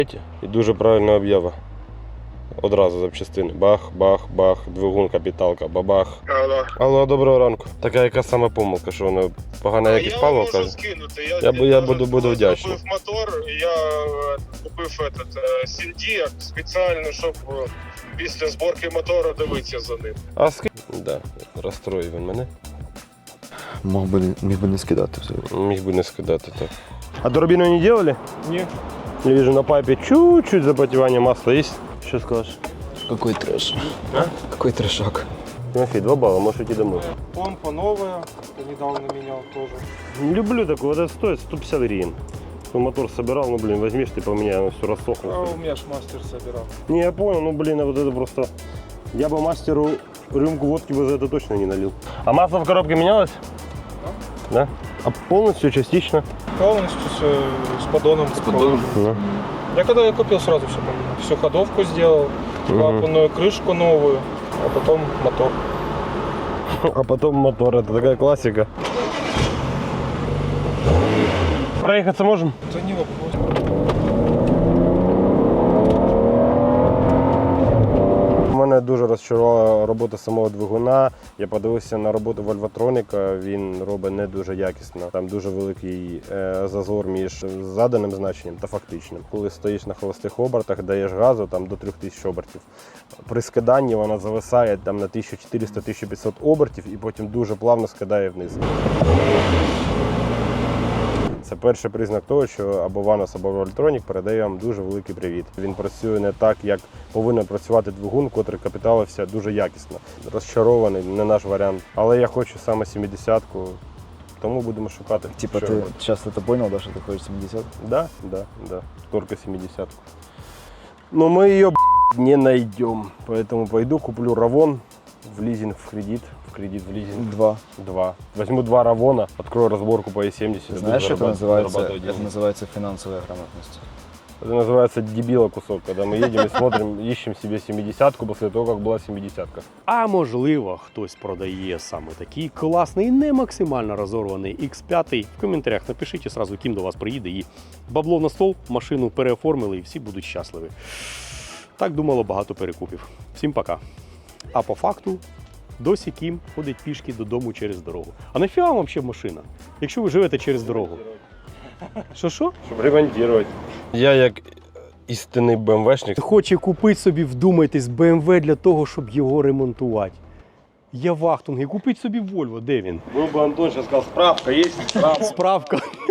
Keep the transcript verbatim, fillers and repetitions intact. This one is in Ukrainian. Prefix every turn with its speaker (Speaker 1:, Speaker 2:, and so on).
Speaker 1: І дуже правильна об'ява. Одразу запчастини. Бах, бах, бах, двигун, капіталка, бабах.
Speaker 2: Алло.
Speaker 1: Алло, доброго ранку. Така яка саме помилка, що вона погана якість палива,
Speaker 2: я
Speaker 1: каже?
Speaker 2: можу скинути. Я,
Speaker 1: Я, б- я буду, буду
Speaker 2: коли
Speaker 1: вдячний.
Speaker 2: зробив мотор, я е, купив этот, е, Сіндіак спеціально, щоб е, після зборки мотора дивитися за ним.
Speaker 1: А ски... Да, розстроїв він мене.
Speaker 3: Мог би, міг би не скидати взагалі.
Speaker 1: Міг би не скидати так.
Speaker 4: А турбину не делали?
Speaker 2: Ні.
Speaker 4: Я вижу на пайпе чуть-чуть запотевание масла есть. Что скажешь?
Speaker 3: Какой трэш.
Speaker 4: А?
Speaker 3: Какой трэшак.
Speaker 4: Тимофей, два балла, можешь идти домой.
Speaker 2: Помпа новая, недавно менял тоже.
Speaker 4: Не люблю такое, вот это стоит сто пятьдесят гривен. Ну, мотор собирал, ну блин, возьмешь ты поменяй, оно все рассохлось.
Speaker 2: А у меня ж мастер собирал.
Speaker 4: Не, я понял, ну блин, а вот это просто... Я бы мастеру рюмку водки бы за это точно не налил. А масло в коробке менялось? Да. Да? А полностью, частично?
Speaker 2: Полностью с, с поддоном. С
Speaker 3: поддоном?
Speaker 4: Да.
Speaker 2: Я когда я купил, сразу все поменял. Всю ходовку сделал, клапанную крышку новую, а потом мотор.
Speaker 4: А потом мотор, это такая классика. Проехаться можем?
Speaker 2: Это не вопрос.
Speaker 4: Мене дуже розчарувала робота самого двигуна. Я подивився на роботу Вольвотроніка, він робить не дуже якісно. Там дуже великий е, зазор між заданим значенням та фактичним. Коли стоїш на холостих обертах, даєш газу там, до трьох тисяч обертів. При скиданні вона зависає там, на тисяча чотириста - тисяча п'ятсот обертів і потім дуже плавно скидає вниз. Це перший признак того, що або Ванос, або Вольтронік передає вам дуже великий привіт. Він працює не так, як повинен працювати двигун, котрий капіталився дуже якісно. Розчарований, не наш варіант. Але я хочу саме сімдесятку, тому будемо шукати.
Speaker 3: Типа
Speaker 4: що
Speaker 3: ты
Speaker 4: робити.
Speaker 3: сейчас это понял, да, что ты хочешь семьдесят?
Speaker 4: Да, да, да. Только семидесятку. Но мы ее не найдем. Поэтому пойду куплю Равон в лизинг, в кредит. В кредит, в лизинг.
Speaker 3: Два.
Speaker 4: Два. Возьму два Равона, открою разборку по Е семьдесят.
Speaker 3: Знаешь, что это называется?
Speaker 4: зарабатывать
Speaker 3: Это
Speaker 4: деньги.
Speaker 3: называется финансовая грамотность.
Speaker 4: Это называется дебила кусок, когда мы едем и смотрим, ищем себе семидесятку после того, как была семидесятка.
Speaker 5: А можливо, хтось продає саме такий класний, не максимально розорваний ікс п'ять. В коментарях напишіть і сразу, ким до вас приїде. І бабло на стол, машину переоформили і всі будуть щасливі. Так думало багато перекупів. Всім пока. А по факту, досі Кім ходить пішки додому через дорогу. А нафіга вам ще машина, якщо ви живете через дорогу? Що-що?
Speaker 4: Щоб ремонтувати. Я як істинний БМВшник.
Speaker 5: Хоче купити собі, вдумайтесь, Бе Ем Ве для того, щоб його ремонтувати. Я вахтунг, і купить собі Вольво, де він?
Speaker 4: Был бы Антон, сейчас сказал, справка есть, справка.
Speaker 5: Справка.